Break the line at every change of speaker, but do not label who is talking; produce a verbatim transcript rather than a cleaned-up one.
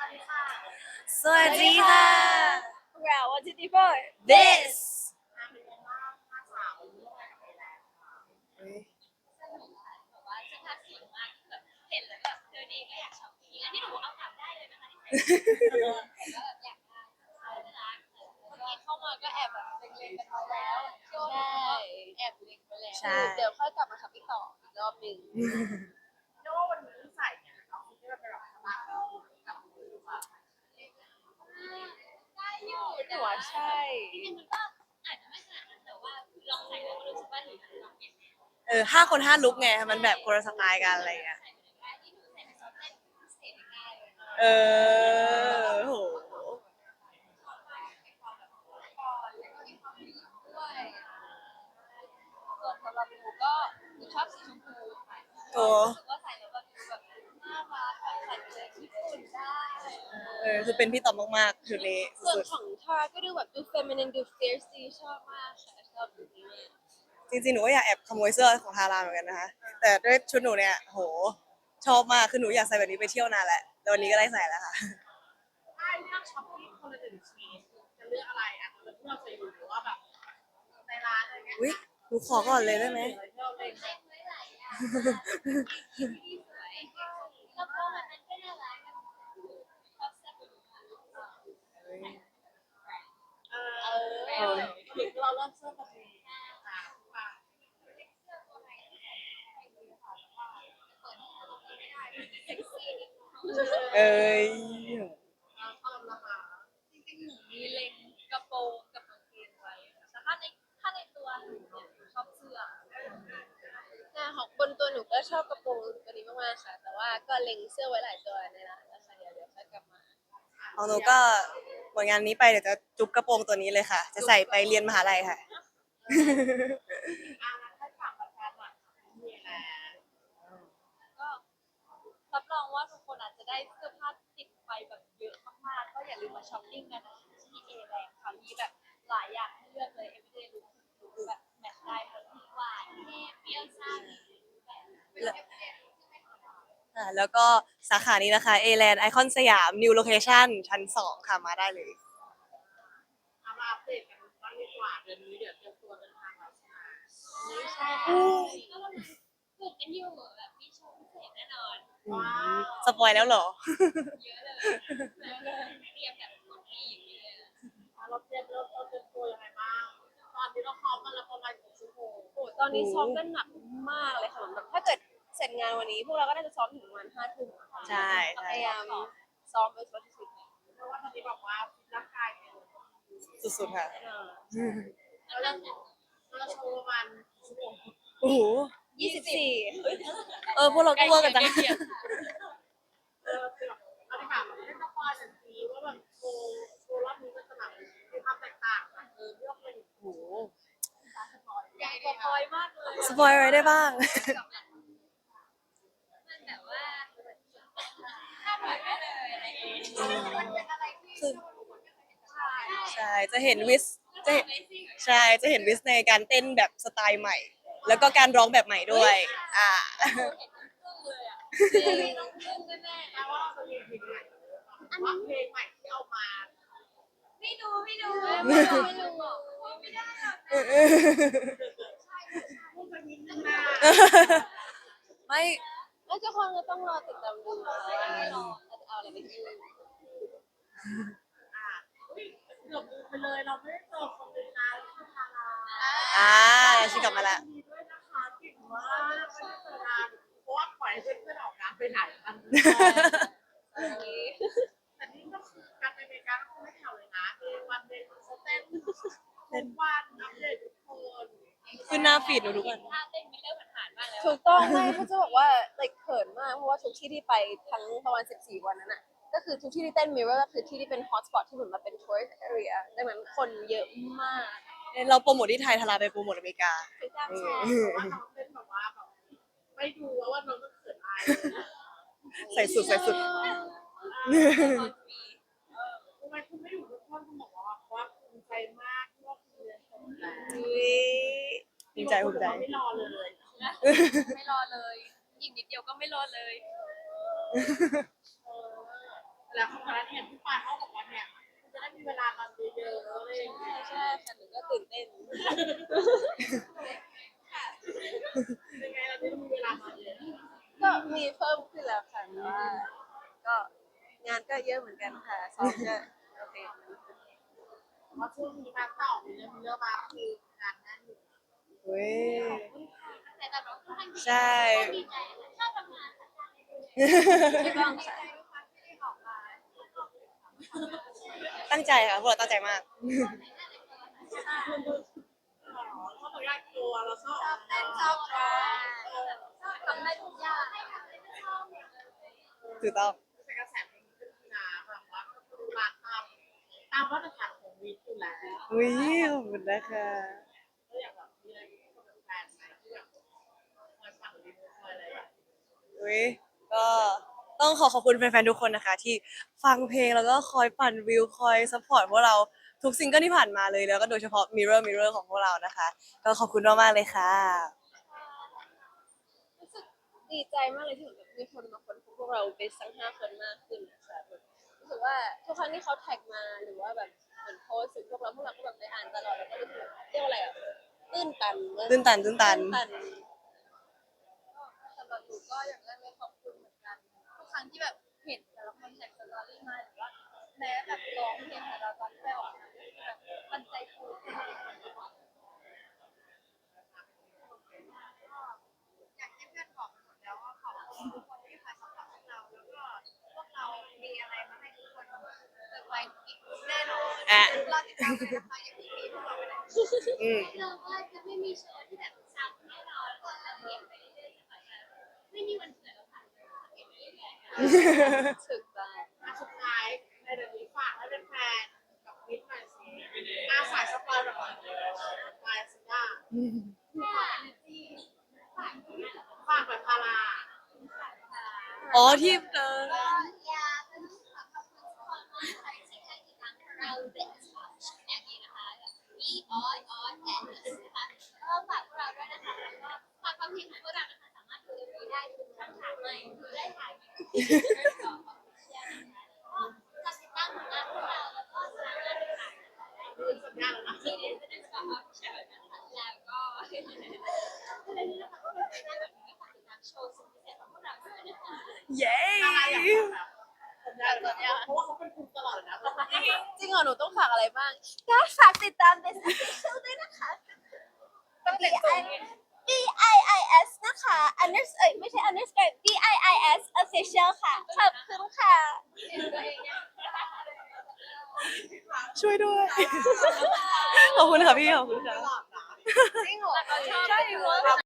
สวัสดีค่ะ
พวกเราวันที่ที่พ่อ
this
แบบว่าเสื้อผ้าสวยมากแบบเห็นแล้วแบบเธอดีก็อยากช็อปปิ้งอันนี้หนูเอากลับได้เลยนะคะที่ใส่แต่ก็แบบอยากได้น่ารักเมื่อกี้เข้ามาก็แอบแบบเล็งๆกันไปแล้วใช่แอบเล็งไปแล้ว
ใช่
เดี๋ยวค่อยกลับมาช็อปปิ้งต่ออีกรอบหนึ่ง
เรียกว่าวันนี้ใส่เนี่ยเราคิดว่าเป็นแบบสบายกับมือว่า
ได้อยู่แต่ว่าใช่จริงๆมันก็อาจจะไม่ขนาดนั้นแต่ว่าลองใส่แล้วก็รู้สึกว่าหนูลองเปลี่ยน
เออห้าคนห้าลุกไงมันแบบคนละสไตล์กันอะไรเงี้ยเออโห
ส่วนสำหรับหนูก็หนูชอบสีชมพูค่ะ
โอ้
รู้สึกว่าใส่แล้วแบบแบบน่ารักแบบใส่ไปเลยญี่ปุ่นได้
เออคือเป็นพี่ต๋อมมากๆชุดนี้
ส่วน
สุด
ของทาก็ดูแบบดู feminine ดู fierce ดีชอบมากค่ะชอบแบบนี้มาก
ๆจริงๆหนูก็อยากแอบขโมยเสื้อของทาราเหมือนกันนะคะแต่ด้วยชุดหนูเนี่ยโหชอบมากคือหนูอยากใส่แบบนี้ไปเที่ยวนานแหละแล้ววันนี้ก็ได้ใส่แล้วค่ะ
ถ้าเลือกช้อปปิ้งคนละหนึ่งชิ้นจะเลือกอะไรอ่ะเราที่เราเคยดูหรือว่าแบบในร้านอะไรเงี้ย
อุ้ยหนูขอก่อนเลยได้ไหม
ที่เราเล่น
เล่นไว้หลายอย่างที่สวยแล้วก็มันนั้นก็น่ารักชอบแซ่บอยู่ค่ะ
เออเราเริ่มเสื้อแบบนี้ค่ะค่ะ
เอ้ย
เราชอบนะคะ
จริงๆหนูมีเล็งกระโปรงกับกางเกงไว้แต่ถ้าในถ้าในตัวหนูเนี่ยหนูชอบเสื้อหน้าของบนตัวหนูก็ชอบกระโปรงตัวนี้มากๆค่ะ แต่ว่าก็เล็งเสื้อไว้หลายตัวในร้านแล้วค่ะเดี๋ยวเดี๋ยวค่อยกลับมา
ของหนูก็หมดงานนี้ไปเดี๋ยวจะจุ๊บกระโปรงตัวนี้เลยค่ะ จะใส่ไปเรียนมหาลัยค่ะ
อ่าให้ฝากประชาชนมีอะไร
ก็รับรองว่าทุกคนอาจจะได้เสื้อผ้าติดไปแบบเยอะมากๆก็อย่าลืมมาช้อปปิ้งกันนะคะที่เอแรงค่ะมีแบบหลายอย่างให้เลือกเลย everyday look ทุกแบบแมทช์ได้หมดหวานเท่เปรี้ยวซ่ามีแบบเป็น everyday look ที่ไม่ธรรมดา
อ่าแล้วก็สาขานี้นะคะ A-Land ไอคอนสยาม New Location ชั้นสองค่ะมาได้เลย
เอามาอัปเดตกันบ้างดีกว่าเดือนนี้เดี๋ยวเตรียมตัวเดินทางแล้วใช่ไหม
ไม่ใช่ค่ะก็กำลังฝึกกันอยู่แบบมีโชว์พิเศษแน่นอน
ว้าว
สปอยแล้วเหรอ
เยอะเลยเยอะเลยเตรียมแบบกดดีอย่างนี้เลย
เราเตรียมเราเราเตรียมตัวยังไงบ้างตอนนี้เราซ้อมกันแล้วประมาณกี่ชั่วโมง
โอ้ตอนนี้ซ้อมกันหนักมากเลยค่ะแบบถ้าเกิดเสร็จงานวันนี้ พวกเราก็น่าจะซ้อมถึงประมาณห้าทุ่ม
ใช่ใช่
พยายามซ้อมไปสุดที่สุด
เพราะว่าตอนนี้แบบว่าร่างกายเนี่ย
สุดๆค่ะ
เราจะเราโชว์ประมาณกี่ชั่วโมง
โอ้โห
ยี่สิบสี่
เออพวกเราก็เวอร์กันจัง
เออคือแบบเอาดีกว่าแบบให้สปอยหน่อยสิว่าแบบโชว์โชว์รอบนี้มันจะแบบมีความแตกต่างจากเออที่เราเคยเห็น
โอ้โห
ใหญ่กว่าพลอยมากเลย
สปอยอะไรได้บ้าง
มันแบบว่าคาดหวังได้เลยอะไรอย่างงี้มันเป็นอะไรที่
คือ
ใช่
ใช่ จะเห็นวิส จะเห็นใช่ จะเห็นวิสในการเต้นแบบสไตล์ใหม่ แล้วก็การร้องแบบใหม่ด้วย อ่า
เห็นทั้งครึ่งเลยอ่ะไม่ต้องครึ่งแน่
แปลว่าเราจะมีเพลงใหม่แต่ว่าเพลงใหม่ที่เอามา
ๆไม่ดูไม่ดูไม่ดูไม่ดูไม่ได้หรอก
พูดไปนิดนึงนะ
ไม่
แล้วทุกคนก็ต้องรอติดตามดูนะไม่รออาจจะเอาอะไรไปกิน
อ่าอุ้ยเกือบลืมไปเลยเราไม่ได้เจอคนเป็นนานแล้วคือทารา
อ่าชิกลับมาละ
ดีด้วยนะคะเก่งมากไม่ได้เจอนานเพราะว่าปล่อยให้เพื่อนๆออกงานไปไหนกัน แต่นี่ก็คือการไปอเมริกาก็คือไม่แถวเลยนะเดย์วันเดย์เขาเต้นทุกวันอัปเดตทุกคน
ขึ้นหน้าฟีดหนูทุกวัน
ถ้าเต้นไม่เลิกผ่านๆบ้างแล้วถูกต้องไม่เขาจะบอกว่า like เขินมากเพราะว่าทุกที่ที่ไปทั้งประมาณสิบสี่วันนั้นน่ะก็คือทุกที่ที่เต้น mirror ก็คือที่ที่เป็น hotspot ที่เหมือนมาเป็น tourist area ดังนั้นคนเยอะมาก
เราโปรโมทที่ไทยทาราไปโปรโมทอเมริกา
คือจ้าง
ใช่
แชร์
แต่ว่าน้องเต้นแบบว่าแบบไม่ดูแล้วว่าน้องก็เขินอายเลยนะ
ใส่สุดใส่สุด
ทำไมคุณไม่อยู่ทุกคนคุณบอกว่าว่าภูมิใจมากที่ว่าคุณเรียนจบแล้ว
ภูมิใจภูมิใจ
ไม่รอเลย
ไม่รอเลยอีกนิดเดียวก็ไม่รอเลย
เออแล้วเขาบอกว่าเนี่ยพี่ปานเขาบอกว่าเนี่ยคุณจะได้มีเวลานอนเยอะๆอะไรอย่างเงี้ย
ใช่ค่ะหนูก็ตื่นเต้น
ยังไงเราจะมีเวลานอนเยอะ
ก็มีเพิ่มขึ้นแล้วค่ะแต่ว่าก็งานก็เยอะเหมือนกันค่ะซ้อมก็โอเค
เพราะช่วงนี้มาต่อมีเรื่องมีเรื่องมาคืองานแน่นอยู่
เว้ย
แต่แต่เราค่อนข้างดี
ใช่
ดีใจค่ะชอบทำงานค่ะ
ไม่ต้องค่ะ
ที่ได้ออกมา
ตั้งใจค่ะพวกเราตั้งใจมาก
อ๋อชอบตัวใหญ่ตัวเราชอบ
ชอบเต้นชอบร้องชอบทำได้ทุกอย่างให้ทำได้ชอบ
ถูกต้อง
แต่กระแสมันขึ้นนะแบบว่าก็คือมาตามตามมาตรฐานของวีอยู่แล้ว
อุ้ยขอบคุณนะคะ
ก็อยากแบบมีอะไรที่คนเป็นแฟนไหมที่แบบคอยฟังวีคอยอะไรแบบ
อุ้ยก็ต้องขอขอบคุณแฟนๆทุกคนนะคะ ที่ฟังเพลงแล้วก็คอยปั่นวิวคอยซัพพอร์ตพวกเราทุกซิงเกิลที่ผ่านมาเลยแล้วก็โดยเฉพาะ Mirror Mirror ของพวกเรานะคะ ก็ขอบคุณมากๆเลยค่ะ
รู้สึกดีใจมากเลยที่เหมือนแบบมีคนมาค้นพบพวกเราเป็นทั้งห้าคนมากขึ้นนะคะแบบรู้สึกว่าทุกครั้งที่เขาแท็กมาหรือว่าแบบเหมือนโพสต์ถึงพวกเราพวกเราก็แบบไปอ่านตลอดแล้วก็รู้สึกแบบเรียกว่าอะไรอ่ะตื้นตันมาก
ตื้นตันตื้นตัน
ตัน
สำหรับหนูก็อย่างแรกเลยขอบคุณเหมือนกันทุกครั้งที่แบบเห็นแต่ละคนแท็กสตอรี่มาหรือว่าแม้แบบร้องเพลงของเราตอนที่ไปออกงานก็คือแบบมันใจฟูมากอย่างที่เพื่อนบอกไปหมดแล้วว่าขอบคุณทุกคนที่คอยสปอร์ตพวกเราแล้วก็พวกเรามีอะไรมาให้ทุกคนเซอร์ไพรส์อีกแน่นอน
อ่ะ
รอติดตามกันนะคะอย่างที่มีพวกเราไปได้
อืม
เราว่าจะไม่มีโชว์ที่แบบซ้ำแน่นอนเราจะเปลี่ยนไปเรื่อยๆจะแบบไม่มีวันเกิดแล้วค่ะเปลี่ยนไปเรื่อยๆ
ถึกต้อง
อ่ะสุดท้ายในเดือนนี้ฝากให้เป็นแฟนกับวิทย์หน่อยสิอาสายสปอยแบบนี้สปอยสิจ้าฝากแบบพารา
อ๋อที่เออ
อยากจะขอขอบคุณทุกคนมากค่ะที่ให้ติดตามเราเด็กแบบนี้นะคะมีออยออยแอนด์นะคะก็ฝากพวกเราด้วยนะคะแล้วก็ฝากความเพลงของพวกเรานะคะสามารถดูเอ็มวีได้ทุกช่องทางเลยดูได้ทางยูทูบก็ขอบคุณนะคะแล้วก็ติดตามผลงานพวกเราแล้วก็สามารถติดตามได้ที่
สัญญาแล้วนะ
ที่เอสเอ็นก็ออฟเชียลนะคะแล้วก็ในนี้นะคะก็เป็นงานแบบนี้ฝากติดตามโชว์สุดพิเศษของพวกเราด้วยนะคะ
เย้
พาราอยากแบบสัญญาแบบนี้เพราะว่าเขาเป็นคุณตลอดเลยนะ
จริงเหรอหนูต้องฝากอะไรบ้างก็ฝากติดตาม Best Official ด้วยนะคะ
ต้องเป็นตรงนี้
B I I S นะคะ under เอ้ยไม่ใช่ underscore B I I S official ค่ะ ขอบคุณค่ะ
ช่วยด้วย ขอบคุณค่ะพี่ ขอบคุณค่ะ
ตลอดนะ
จริงเหรอ
ใช่เพราะ